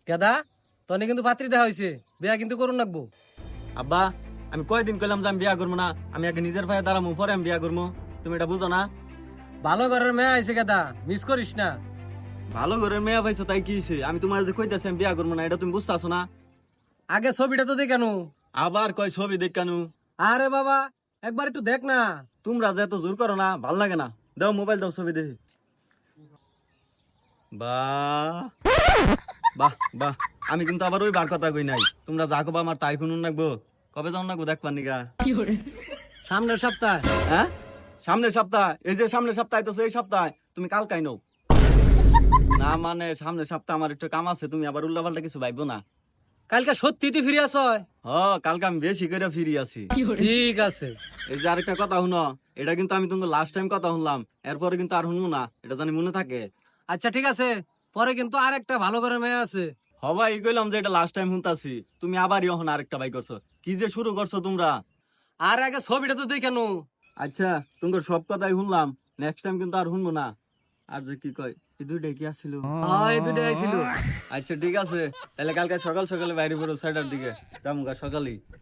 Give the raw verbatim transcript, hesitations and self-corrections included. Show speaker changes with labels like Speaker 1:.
Speaker 1: কেদা তনে কিন্তু পাত্রী দেখা হয়েছে, বিয়া কিন্তু করুন রাখবো।
Speaker 2: আব্বা আমি কয়দিন কইলাম যে আমি বিয়া করবো না, আমি আগে নিজের ভাইয়ে দাঁড়াবো পরে আমি বিয়া করবো। তুমি এটা বুঝো না?
Speaker 1: ভালো ঘরের মেয়ে আইছে কেদা, মিস করিস না।
Speaker 2: ভালো ঘরের মেয়ে পাইছো তাই কি হইছে? আমি তোমার যে কইতাছি আমি বিয়া করবো না, এটা তুমি বুঝতেছো না?
Speaker 1: আগে ছবিটা তো দেখানো।
Speaker 2: আবার কয় ছবি দেখানু?
Speaker 1: আরে বাবা একবার একটু দেখ না।
Speaker 2: তোমরা যে এত জোর করো না, ভাল লাগে না। দাও মোবাইল দাও, ছবি দেখি। বাহ বাহ বাহ, আমি কিন্তু আবার ওই বার কথা কই নাই। তোমরা যা কবা আমার তাই শুনুন নাকবো। কবে যাও নাকবো দেখবার নিগা?
Speaker 1: সামনের সপ্তাহ।
Speaker 2: হ্যাঁ সামনের সপ্তাহ? এই যে সামনের সপ্তাহ তো এই সপ্তাহ তুমি কাল কাই নও না, মানে সামনের সপ্তাহ আমার একটু কাম আছে, তুমি আবার উল্লাপাল্টা কিছু ভাইবো না।
Speaker 1: কালকে সত্যি তুই ফিরে আস?
Speaker 2: হ কালকে আমি বেশি করে ফিরি আছি।
Speaker 1: ঠিক আছে।
Speaker 2: এই যে আরেকটা কথা শুনো, এটা কিন্তু আমি তোমাকে লাস্ট টাইম কথা শুনলাম, এরপরে কিন্তু আর শুনবো না, এটা জানি মনে থাকে।
Speaker 1: আচ্ছা ঠিক আছে, পরে কিন্তু আর একটা ভালো ঘরের মেয়ে আছে।
Speaker 2: হবাই কইলাম যে এটা লাস্ট টাইম শুনতাছি, তুমি আবার এখন আরেকটা বাই করছো। কি যে শুরু করছো তোমরা?
Speaker 1: আর আগে ছবিটা তো দেখানো।
Speaker 2: আচ্ছা তোমার সব কথাই শুনলাম, নেক্সট টাইম কিন্তু আর শুনবো না। আর যে কি কয় এই দুইটাই কি আসছিল?
Speaker 1: হ্যাঁ এই দুটো আইছিল।
Speaker 2: আচ্ছা ঠিক আছে, তাহলে কালকে সকাল সকালে বাইরে বেরো, ছয়টার দিকে যাবো সকালেই।